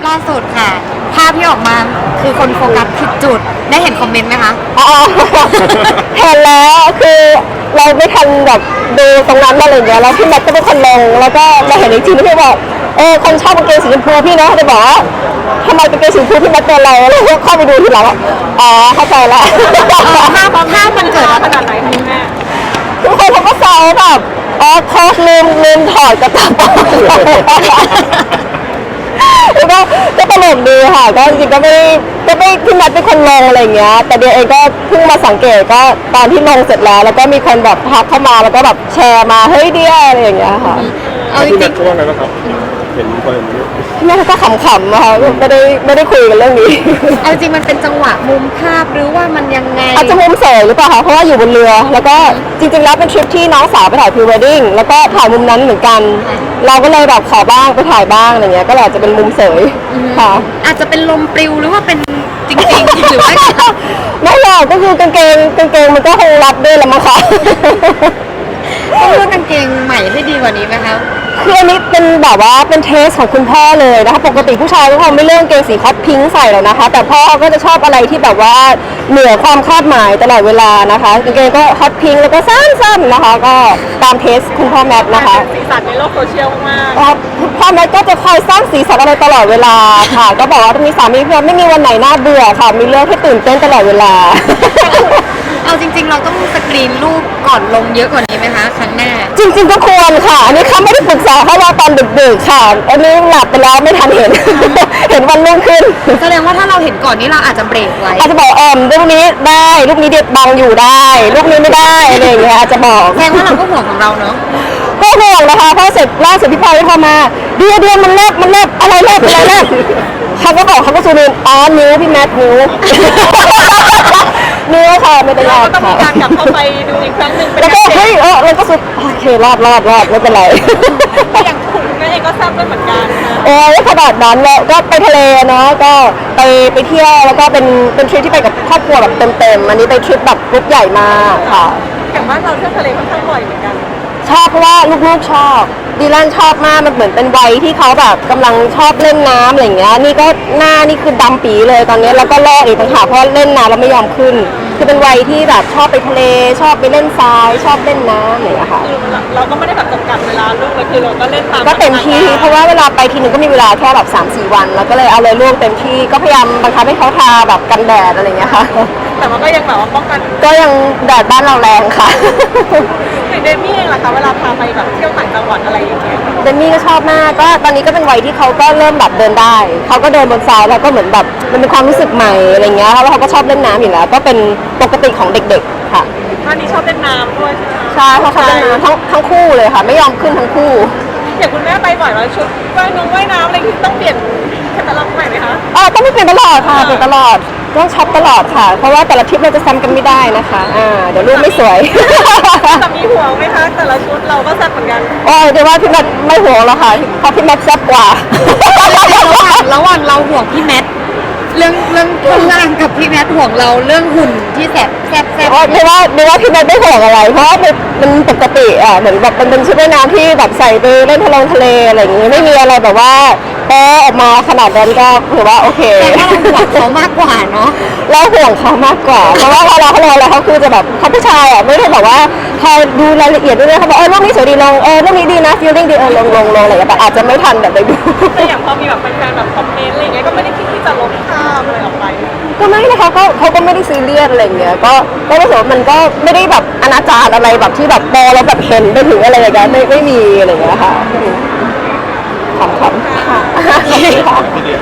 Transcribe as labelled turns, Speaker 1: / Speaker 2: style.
Speaker 1: ล่าสุดค่ะภาพที่ออกมาคือคนโฟกัสผิดจุดได้เห็นคอมเมนต์ไหมคะ
Speaker 2: อ๋อเห็นแล้วคือเราไม่ทันแบบดูตรงนั้นอะไรอย่างเงี้ยแล้วพี่แมทก็เป็นคนลงแล้วก็มาเห็นอีกทีที่พี่บอกคนชอบกางเกงสีชมพูพี่นะเขาจะบอกว่าทำไมกางเกงสีชมพูพี่แมทเป็นอะไรแล้วก็เข้าไปดูทีหลังว่าอ๋อเข้าใจแล้ว
Speaker 1: ภาพมันเกิดขนาดไหนคะแม่
Speaker 2: ทุกคนเขาก็แซวแบบอ๋อโค้ชลืมถอดกระจับแล้วก็ตลกดีค่ะก็จริงๆก็ไม่พี่แมทเป็นคนลงอะไรเงี้ยแต่เดียเองก็เพิ่งมาสังเกตก็ตอนที่ลงเสร็จแล้วก็มีคนแบบทักเข้ามาแล้วก็แบบแชร์มาเฮ้ยเดียอะไรอย่างเงี้ยค่ะ
Speaker 3: เอาจริงๆช่วงนั้นนะครับเห็นคน
Speaker 2: พี่แมทก็ขำๆนะคะไม่ได้คุยกันเรื่องนี้
Speaker 1: เอาจริงมันเป็นจังหวะมุมภาพหรือว่ามันยังไง
Speaker 2: อาจจะมุมเสยหรือเปล่าคะเพราะว่าอยู่บนเรือแล้วก็จริงๆแล้วเป็นทริปที่น้องสาวไปถ่ายพรีเวดดิ้งแล้วก็ถ่ายมุมนั้นเหมือนกันเราก็เลยแบบขอบ้างไปถ่ายบ้างอะไรเงี้ยก็อาจจะเป็นมุมเสยค่ะ
Speaker 1: อาจจะเป็นลมปลิวหรือว่าเป็นจริงๆหรือว่า
Speaker 2: ไม่หรอกก็คือกางเกงมันก็คงรับด้วยละมั้งคะ
Speaker 1: ต้องเลือกกางเกงใหม่ให้ดีกว่านี้ไหมคะ
Speaker 2: คืออันนี้เป็นแบบว่าเป็นเทสของคุณพ่อเลยนะคะปกติผู้ชายก็คงไม่เลือกกางเกงสีฮอตพิงค์ใส่หรอกนะคะแต่พ่อก็จะชอบอะไรที่แบบว่าเหนือความคาดหมายตลอดเวลานะคะกางเกงก็ฮอตพิงค์แล้วก็สั้นๆนะคะก็ตามเทสคุณพ่อแมทนะคะ
Speaker 1: สีสันในโลกโซเชียลมาก
Speaker 2: พ่อแมทก็จะคอยสร้างสีสันอะไรตลอดเวลาค่ะก็บอกว่ามีสามีเพื่อนไม่มีวันไหนน่าเบื่อค่ะมีเรื่องให้ตื่นเต้นตลอดเวลา
Speaker 1: เอาจริงๆเราต้องสกรีนรูปก่อนลงเยอะกว่านี้ไหมคะครั้งหน้า
Speaker 2: จริงๆก็ควรค่ะอันนี้เขาไม่ได้ปรึกษาเขาว่าตอนดึกๆค่ะอันนี้หลับไปแล้วไม่ทันเห็น เห็นวันรุ่งขึ้น
Speaker 1: แสดงว่าถ้าเราเห็นก่อนนี้เราอาจจะเบรกไว้
Speaker 2: อาจจะบอกรูปนี้ได้รูปนี้เด็ดบังอยู่ได้รูปนี้ไม่ได้อะไรอย่างเงี้ยอาจจะบอก
Speaker 1: แสดงว่าเราก็ห่วงของเราเนาะ
Speaker 2: ก็ห่วงนะคะเพราะเสร็จล่าสุดพี่พลอยก็โทรมาเดือนมันเลิกอะไรเลิกเขาก็บอกเขาก็ซูมอ๋อนิ้วพี่แมทนิ้วนิ้วค่ะไม่เป็นไร
Speaker 1: เราก็ต้องมีการกลับเข้าไปดูอีกครั้งหนึ่ง
Speaker 2: แล้วก็เฮ้ยเราก็สุดโอเครอดไม่เป็นไร
Speaker 1: อย่างคุณแม่เองก็ทราบด้วยเหมือนกัน
Speaker 2: โอ้ยขนาดนั้นแล้วก็ไปทะเลเนาะก็ไปเที่ยวแล้วก็เป็นทริปที่ไปกับครอบครัวแบบเต็มอันนี้ไปทริปแบบกรุ๊ปใหญ่มากค่ะ
Speaker 1: อย่างบ้านเราเที่ยวทะเลค่อนข้างบ่อยเหมือนกัน
Speaker 2: ชอบเพราะว่าลูกๆชอบดีแลนชอบมากมันเหมือนเป็นวัยที่เขาแบบกำลังชอบเล่นน้ำอะไรอย่างเงี้ยนี่ก็หน้านี่คือดำปีเลยตอนนี้แล้วก็ลอกอีกต่างหากเพราะเล่นน้ำแล้วไม่ยอมขึ้นคือเป็นวัยที่แบบชอบไปทะเลชอบไปเล่นทรายชอบเล่นน้ำอะไรอย่างเงี้ยค่ะ
Speaker 1: เราก็ไม่ได้แบบจำกัดเวลาลูกเลยคือเราก็เล่นตาม
Speaker 2: ก็เต็มที่เพราะว่าเวลาไปทีนึงก็มีเวลาแค่แบบ 3-4 วันแล้วก็เลยเอาเลยลูกเต็มที่ก็พยายามบังคับให้เขาทาแบบกันแดดอะไรอย่างเงี้ยค่ะ
Speaker 1: แต่มันก็ยังแบบว่าป้องกัน
Speaker 2: ก็ยังแดดบ้านเราแรงค่ะ
Speaker 1: เดมี่เองล่ะคะเวลาพาไปแบบเที่ยวต่างจังหวัดอะไรอย่างเงี้ย
Speaker 2: เดมี่ก็ชอบมากก็ตอนนี้ก็เป็นวัยที่เขาก็เริ่มแบบเดินได้เขาก็เดินบนทรายแล้วก็เหมือนแบบมันเป็นความรู้สึกใหม่อะไรเงี้ยแล้วเขาก็ชอบเล่นน้ำอยู่แล้วก็เป็นปกติของเด็กๆค่ะ
Speaker 1: ท่านนี้ชอบเล่นน้ำด้วยใช่ไหม
Speaker 2: ใช่เขาชอบเล่นน้ำทั้งคู่เลยค่ะไม่ยอมขึ้นทั้งคู่
Speaker 1: อย่างคุณแม่ไปบ่อยแล้วชุดว่ายน้ำอะไรที่ต้องเปลี่ยนแคตตาล็อกใหม่ไหมคะ
Speaker 2: ต้องไม่เปลี่ยนตลอดค่ะเปลี่ยนตลอดต้องช็อปตลอดค่ะเพราะว่าแต่ละทริปเราจะซ้ำกันไม่ได้นะคะเดี๋ยวรูปไม่สวย
Speaker 1: แต่มีห่วงไหมคะแต่ละชุดเราก็แซ่บเหมือนกัน
Speaker 2: เดี๋ยวว่าพี่แมทไม่ห่วงแล้วค่ะเพราะพี่แมทแซ่บกว่า
Speaker 1: ระหว่างเราห่วงพี่แมทเรื่องเครื่องร่างกับพี่แมทห่วงเราเรื่องหุ่นที่แซ่บ
Speaker 2: ไม่ว่าพี่แมทไม่ห่วงอะไรเพราะมันปกติเหมือนแบบมันเป็นชุดว่ายน้ำที่แบบใส่ไปเล่นทะเลอะไรอย่างงี้ไม่มีอะไรแบบว่าออกมาขนาดนั้นก็ถือว่าโอเค
Speaker 1: แต่ว่าเราห่วงเขามากกว่าเนาะ
Speaker 2: เราห่วงเขามากกว่าเพราะว่าเวลาเขาลงแล้วเขาคือจะแบบเขาผู้ชายไม่ได้แบบว่าพอดูรายละเอียดด้วยเขาบอกรูปนี้สวยดีลงรูปนี้ดีนะฟีลลิ่งดีลงอะไรอย่างเงี้ยแต่อาจจะไม่ทันแบบไปดู
Speaker 1: แต่อย่างพอมีแบบแฟนๆแบบคอมเมนต์อะไรอย่างเงี้ยก็ไม่ได้คิดที่จะลบภาพอะไรออกไป
Speaker 2: ก็ไม่นะคะเขาก็ไม่ได้ซีเรียสอะไรอย่างเงี้ยก็รู้สึกว่ามันก็ไม่ได้แบบอนาจารอะไรแบบที่แบบแล้วแบบเห็นไปถึงอะไรอย่างเงี้ยไม่มีอะไรอย่างเงี้ยค่ะขำค่ะ